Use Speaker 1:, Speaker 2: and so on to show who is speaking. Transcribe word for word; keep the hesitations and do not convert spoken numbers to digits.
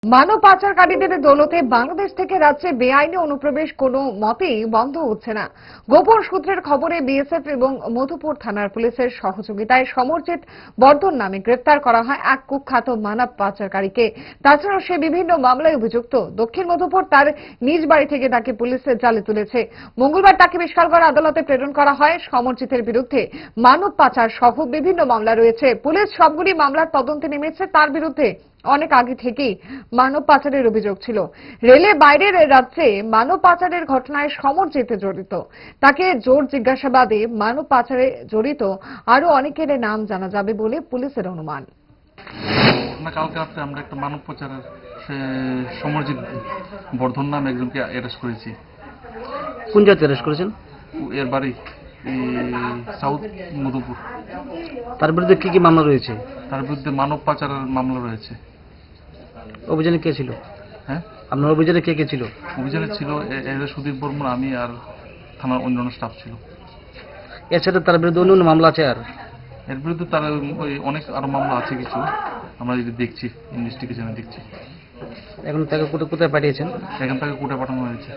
Speaker 1: মানব পাচারকারীদের দৌলতে বাংলাদেশ থেকে রাজ্যে বেআইনি অনুপ্রবেশ কোনো মতেই বন্ধ হচ্ছে না। গোপন সূত্রের খবরে বিএসএফ এবং মধুপুর থানার পুলিশের সহযোগিতায় সমরজিৎ বর্ধন নামে গ্রেপ্তার করা হয় এক কুখ্যাত মানব পাচারকারীকে। তাছাড়াও সে বিভিন্ন মামলায় অভিযুক্ত। দক্ষিণ মধুপুর তার নিজ বাড়ি থেকে তাকে পুলিশের জালে তুলেছে। মঙ্গলবার তাকে বিশালগড় আদালতে প্রেরণ করা হয়। সমরজিতের বিরুদ্ধে মানব পাচার সহ বিভিন্ন মামলা রয়েছে। পুলিশ সবগুলি মামলার তদন্তে নেমেছে। তার বিরুদ্ধে অনেক আগে থেকেই মানব পাচারের অভিযোগ ছিল। রেলে বাইরের রাজ্যে মানব পাচারের ঘটনায় সমরজিৎ জড়িত। তাকে জোর জিজ্ঞাসাবাদে মানব পাচারে জড়িত আরো অনেকের নাম জানা যাবে বলে পুলিশের অনুমান।
Speaker 2: কালকে রাত্রে আমরা একটা মানব পাচারের সমরজিৎ বর্ধন নামে একজনকে অ্যারেস্ট করেছি।
Speaker 3: কোন জায়গায় অ্যারেস্ট করেছেন?
Speaker 2: এর বাড়ি সাউথ মধুপুর।
Speaker 3: তার বিরুদ্ধে কি কি মামলা রয়েছে?
Speaker 2: তার বিরুদ্ধে মানব পাচারের মামলা রয়েছে।
Speaker 3: অভিযানে কে ছিল?
Speaker 2: হ্যাঁ,
Speaker 3: আপনার অভিযানে কে কে ছিল?
Speaker 2: অভিযানে ছিল সুদীপ বর্মন, আমি আর থানার অন্যান্য স্টাফ ছিল।
Speaker 3: এছাড়া তার বিরুদ্ধে অন্য অন্য মামলা আছে? আর
Speaker 2: এর বিরুদ্ধে তার ওই অনেক আরো মামলা আছে কিছু, আমরা যদি দেখছি, ইনভেস্টিগেশনে দেখছি।
Speaker 3: এখন তাকে কোথায় কোথায় পাঠিয়েছেন?
Speaker 2: এখান থেকে কোর্টে পাঠানো হয়েছে।